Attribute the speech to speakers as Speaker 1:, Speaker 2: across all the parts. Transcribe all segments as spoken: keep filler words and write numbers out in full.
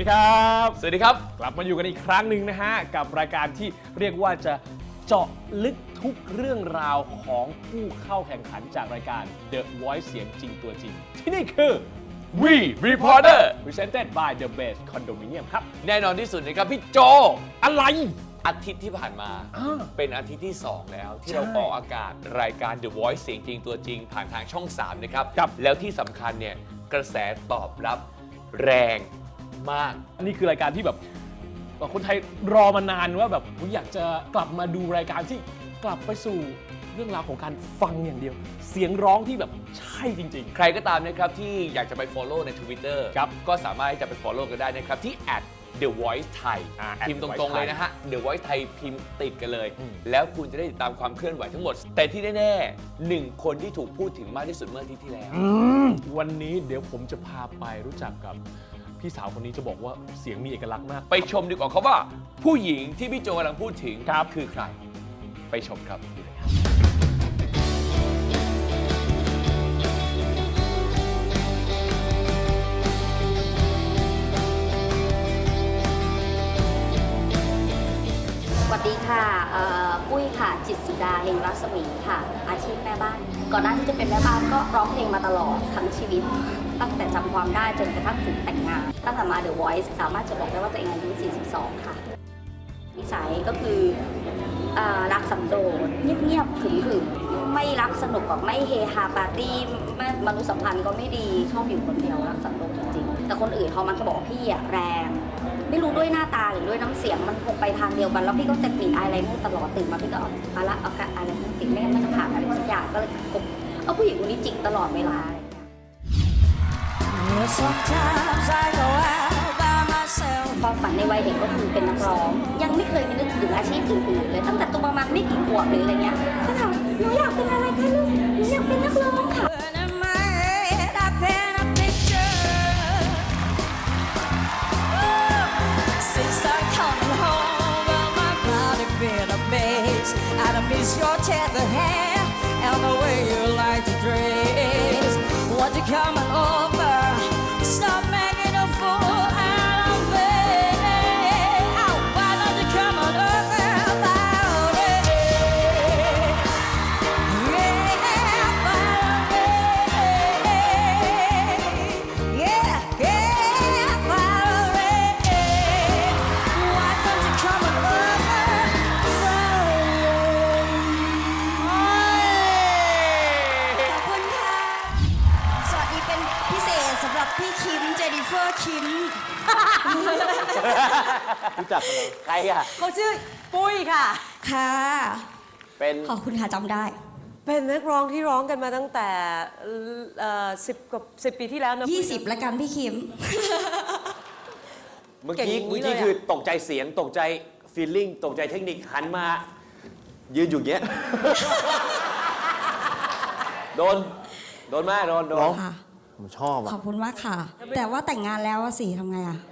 Speaker 1: ครับ
Speaker 2: สวัสดีครับ
Speaker 1: กลับมาอยู่กันอีกครั้งหนึ่งนะฮะกับรายการที่เรียกว่าจะเจาะลึกทุกเรื่องราวของผู้เข้าแข่งขันจากรายการ The Voice เสียงจริงตัวจริงที่นี่คือ
Speaker 2: We Reporter
Speaker 1: Presented by The Best Condominium ครับ
Speaker 2: แน่นอนที่สุดนะครับพี่โจ
Speaker 1: อะไร
Speaker 2: อาทิตย์ที่ผ่านมา เป็นอาทิตย์ที่สองแล้วที่
Speaker 1: ใช่
Speaker 2: เราออกอากาศรายการ The Voice เสียงจริงตัวจริงผ่านทางช่องสามนะครับ
Speaker 1: ครับ
Speaker 2: แล้วที่สำคัญเนี่ยกระแสตอบรับแรงมาก
Speaker 1: นี่คือรายการที่แบบคนไทยรอมานานว่าแบบอยากจะกลับมาดูรายการที่กลับไปสู่เรื่องราวของการฟังอย่างเดียว เสียงร้องที่แบบใช่จริงๆ
Speaker 2: ใครก็ตามนะครับที่อยากจะไป follow ใน Twitter
Speaker 1: ครับ
Speaker 2: ก็สามารถที่จะไป follow กันได้นะครับที่ at The Voice Thai
Speaker 1: อ่า
Speaker 2: พิมพ์
Speaker 1: The
Speaker 2: ต
Speaker 1: Voice
Speaker 2: รงๆ
Speaker 1: Thai
Speaker 2: เลยนะฮะ The Voice Thai พิมพ์ติดกันเลย
Speaker 1: อืม
Speaker 2: แล้วคุณจะได้ติดตามความเคลื่อนไหวทั้งหมด แต่ที่แน่ๆหนึ่งคนที่ถูกพูดถึงมากที่สุดเมื่ออาทิตย์ที่แล้ว
Speaker 1: วันนี้เดี๋ยวผมจะพาไปรู้จักกับพี่สาวคนนี้จะบอกว่าเสียงมีเอกลักษณ์มาก
Speaker 2: ไปชมดีกว่าเขาว่า ผู้หญิงที่พี่โจกำลังพูดถึง
Speaker 1: ครับ
Speaker 2: คือใคร ไปชมครับ
Speaker 3: สวัสดีค่ะเอ่อปุ้ยค่ะจิตรสุดาเฮงรัศมีค่ะ อาชีพแม่บ้าน ก่อนหน้าที่จะเป็นแม่บ้านก็ร้องเพลงมาตลอดทั้งชีวิต ตั้งแต่จำความได้จนกระทั่งถึงแต่งงาน ตั้งแต่มา The Voice สามารถจะบอกได้ว่าตัวเองอายุ สี่สิบสอง ค่ะ นิสัยก็คือเอ่อรักสันโดษเงียบๆขรึมๆไม่รักสนุกแบบไม่เฮฮาปาร์ตี้ไม่มนุษยสัมพันธ์ก็ไม่ดีชอบอยู่คนเดียวรักสันโดษจริงๆแต่คนอื่นเขามันจะบอกว่าพี่อะแรง ไม่รู้ด้วยหน้าตาหรือด้วยน้ำเสียงมันคงไปทางเดียวกันแล้วพี่ก็จะกลิ่นอายอะไรนู่นตลอดตื่นมาพี่ก็เอาเอาละเอากะอะไรนู่นติดไม่งั้นมันจะผ่านอะไรสักอย่างก็เลยคบเอาผู้หญิงคนนี้จริงตลอดเวลา ความฝันในวัยเด็กก็คือเป็นนักร้อง ยังไม่เคยมีนึกถึงอาชีพอื่นๆเลยตั้งแต่ตัวประมาณไม่กี่ขวบหรืออะไรเงี้ยก็ถามหนูอยากเป็นอะไรคะลูกหนูอยากเป็นนักร้องค่ะ
Speaker 4: I miss your tender hair and the way you like to dress. Want you coming over? Stop making a fool out of me. Oh, why don't you come on over about it? Yeah, about it. Yeah, yeah, about it. Why don't you come on over?
Speaker 5: ขอบคุณค่ะ สวัสดีเป็นพิเศษสำหรับพี่คิม เจนนิเฟอร์คิม
Speaker 1: รู้จักใครอ่ะ
Speaker 5: เขาชื่อปุ้ยค่ะ ค่ะ
Speaker 1: เป็น
Speaker 5: ขอบคุณค่ะจำได้
Speaker 6: เป็นนักร้องที่ร้องกันมาตั้งแต่สิบกว่าสิบปีที่แล้วนะ
Speaker 5: ยี่สิบละกันพี่คิม
Speaker 7: เมื่อ
Speaker 6: เก่ง
Speaker 7: กี้
Speaker 6: อย่าง
Speaker 7: เมื่
Speaker 6: นี้
Speaker 7: อ
Speaker 6: เล
Speaker 7: กี้
Speaker 6: ย
Speaker 7: คือ
Speaker 6: อะ
Speaker 7: ตกใจเสียงตกใจฟีลลิ่งตกใจเทคนิคหันมา ยืนอยู่อย่างเงี้ย โดน โดนมากโดนโดน
Speaker 5: ค่ะ
Speaker 7: ผมชอบ
Speaker 5: ข
Speaker 7: อ่ะ
Speaker 5: อบคุณมากค่ะ แต่ว่าแต่งงานแล้วอะสิทำไงอะ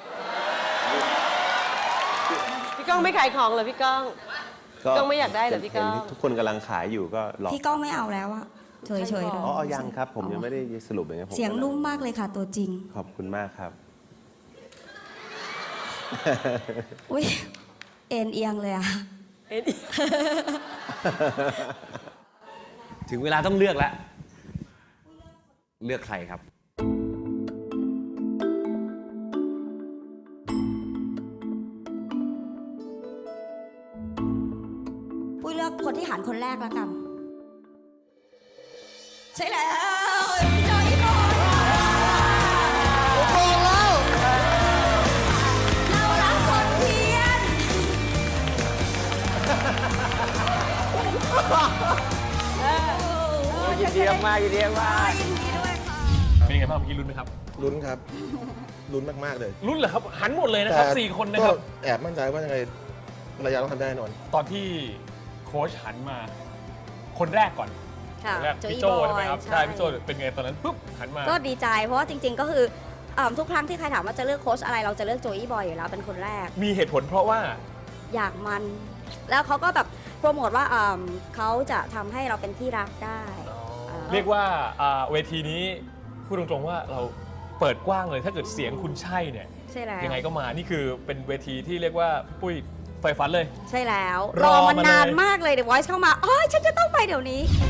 Speaker 6: พี่ก้องไม่ขายของเหรอพี่ก้องพี่ก้องไม่อยากได้เหรอพี่ก้อง
Speaker 8: เห็นทุกคนกำลังขายอยู่ก็หลอก
Speaker 5: พี่ก้องไม่เอาแล้วอะเฉยๆเลย
Speaker 8: อ๋อยังครับ ผมยังไม่ได้สรุปอย่างเงี้ยผม
Speaker 5: เสียงนุ่มมากเลยค่ะตัวจริง
Speaker 8: ขอบคุณมากครับ
Speaker 5: อุ้ยเอ็นเอียงเลยอะ
Speaker 2: ถึงเวลาต้องเลือกแล้ว เลือกใครครับ
Speaker 5: ปุ้ยเลือกคนที่หันคนแรกแล้วกัน ใช่แล้วพี่จอยพี่บอยเรารักคนเพียน
Speaker 7: ยินดีมากยินดีมาก
Speaker 5: ยินดีด้วยค่ะ
Speaker 1: เป็นไงบ้างเมื่อกี้ลุ้นไหมครับ
Speaker 9: ลุ้นครับ ลุ้นมาก ๆ เลย
Speaker 1: ลุ้นเหรอครับ หันหมดเลยนะครับสี่คนนะครับ
Speaker 9: ก็แอบมั่นใจว่ายังไงภรรยาต้องทำได้แน่นอน
Speaker 1: ตอนที่โค้ชหันมา คนแรกก่อน
Speaker 10: ค่ะ
Speaker 1: คนแรก
Speaker 10: โจ
Speaker 1: พี่
Speaker 10: อี้
Speaker 1: โจ
Speaker 10: บอย
Speaker 1: ใช่ไหมครับ
Speaker 10: ใช่
Speaker 1: ใช่พี่โจเป็นไงตอนนั้นปุ๊บหันมา
Speaker 10: ก็ดีใจเพราะว่าจริง ๆ ก็คือเอิ่มทุกครั้งที่ใครถามว่าจะเลือกโค้ชอะไรเราจะเลือกโจอี้บอยอยู่แล้วเป็นคนแรก
Speaker 1: มีเหตุผลเพราะว่า
Speaker 10: อยากมัน แล้วเขาก็แบบโปรโมทว่าเอิ่มเขาจะทำให้เราเป็นที่รักได้อ่า
Speaker 1: เรียกว่าอ่าเวทีนี้พูดตรงๆว่าเราเปิดกว้างเลยถ้าเกิดเสียงคุณใช่เนี่ย
Speaker 10: ใช่แล้ว
Speaker 1: ยังไงก็มานี่คือเป็นเวทีที่เรียกว่าปุ้ยไฟฝันเลย
Speaker 10: ใช่แล้ว
Speaker 1: ร
Speaker 10: ร
Speaker 1: อ
Speaker 10: อ
Speaker 1: มาม
Speaker 10: านาน
Speaker 1: เลย
Speaker 10: มากเลยเดี๋ยว Voice เข้ามาอ๋อฉันจะต้องไปเดี๋ยวนี้